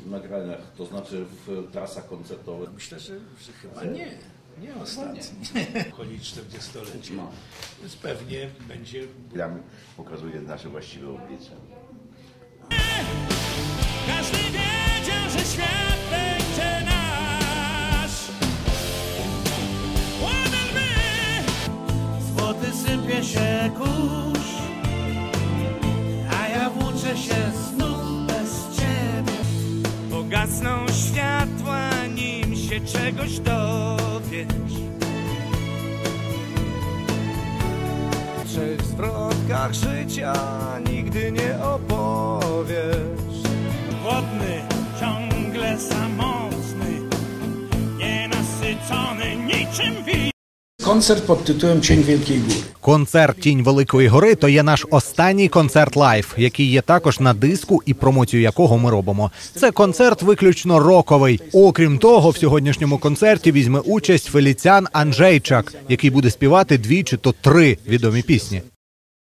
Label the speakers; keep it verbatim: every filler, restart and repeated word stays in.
Speaker 1: nagraniach, to znaczy w trasach koncertowych?
Speaker 2: Myślę, że, że chyba nie. Nie ostatni. Chodzi czterdziestolecie. No. Więc pewnie będzie...
Speaker 3: Gram pokazuje nasze właściwe oblicze.
Speaker 4: Każdy wiedział, że świat będzie nasz. Ładan my! Złoty sypie się kurz, a ja włóczę się znów bez ciebie. Pogasną światła, nim się czegoś dowiesz. Trzech zwrotkach życia nigdy nie opowiesz. Głodny, ciągle samotny, nienasycony niczym wi.
Speaker 2: Koncert pod tytułem «Cień Wielkiej Góry».
Speaker 5: Концерт «Тінь Великої гори» – то є наш останній концерт лайв, який є також на диску і промоцію якого ми робимо. Це концерт виключно роковий. Окрім того, в сьогоднішньому концерті візьме участь Феліціан Анджейчак, який буде співати дві чи то три відомі пісні.